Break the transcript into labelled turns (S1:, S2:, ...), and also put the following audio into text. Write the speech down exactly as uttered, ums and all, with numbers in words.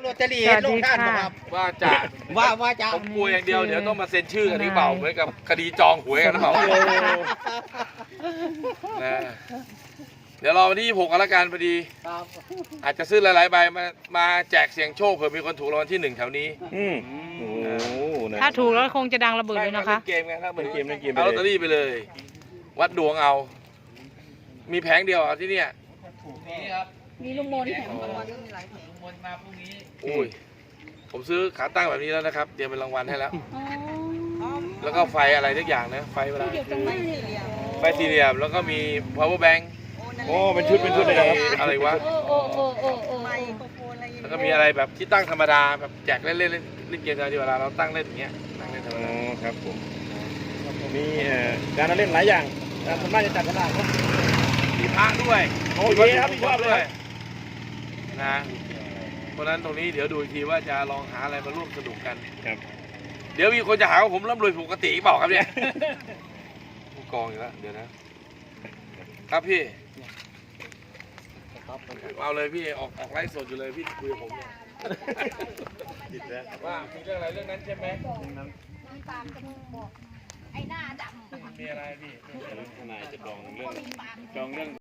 S1: ตเตอรี่เห็นลงท่านครับ
S2: ว่าจะ
S1: ว่าว่าจะ
S2: ผมกลัวอย่างเดียวเดี๋ยวต้องมาเซ็นชื่อกันหรือเปล่าเหมือนกับคดีจองหวยกันหรือเปล่านะเดี๋ยวรอวันที่ยี่สิบหกกันละกันพอดี
S1: ครับ
S2: อาจจะซื้อหลายๆใบมามาแจกเสียงโชคเผื่อมีคนถูกรางวัลที่หนึ่งแถวนี้
S3: อืมโอ้โหนะ
S4: ถ้าถูกแล้วคงจะดังระเบิดเลยนะคะ
S2: เล่นเกมไงครับเหมือน
S3: เล่นเกมเล่นเกมไป
S2: เอา
S3: เลย
S2: ลอตเตอรี่ไปเลย วัดดวงเอา มีแผงเดียวเอาที่เนี่ย
S5: มีลุงมนต์แถม
S2: อ๋อ
S5: รางวัลมีหลายแผง
S2: โอ้ยผมซื้อขาตั้งแบบนี้แล้วนะครับเตรียมเป็นรางวัลให้แล้ว
S5: อ๋อ
S2: แล้วก็ไฟอะไรทุกอย่างนะไฟเวลา
S5: เดี๋ยวตรงนี้นี่เลย
S2: ไฟสี่เหลี่ยมแล้วก็มี power bank
S3: โอ้เป็นชุดเป็นชุดเลยนะครับ
S2: อะไรวะ
S5: โอ้โอ้โอ้โอ้โอ้
S6: ไมโครโฟนอะไรอย่าง
S2: แล้ว
S6: เงี้ย
S2: ก็มีอะไรแบบที่ตั้งธรรมดาแบบแจกเล่นเล่นเล่นเล่นเกมธรรมดาเวลาเราตั้งเล่นอย่างเงี้ยตั้งเล่นธรรม
S3: อ๋อ
S2: ดา
S3: ครับผมมีเอ่อการเล่นหลายอย่างแต่ส่วนมากจะจัดกระดาษครับ
S2: มีพระด้วย
S3: โอเคครับชอบเลย
S2: นะเพราะฉะนั้นตรงนี้เดี๋ยวดูอีกทีว่าจะลองหาอะไรมาร่วมสนุกกัน
S3: ครับ
S2: เดี๋ยวมีคนจะหาว่าผมร่ำรวยปกติเปล่าครับเนี่ย ผู้กองอยู่แล้วเดี๋ยวนะ ครับพี่เอาเลยพี่ออกออกไลฟ์สดอยู่เลยพี่คุยกับผมเนี่ย
S3: ติดแล้ว
S2: ว่ามีเรื่องอะไรเรื่องนั้นใช่ไหม
S5: ตามจมูกบอกไอ้หน้าดำ
S2: มีอะไรพี่
S3: ทนายจะดองเรื่องดองเรื่อง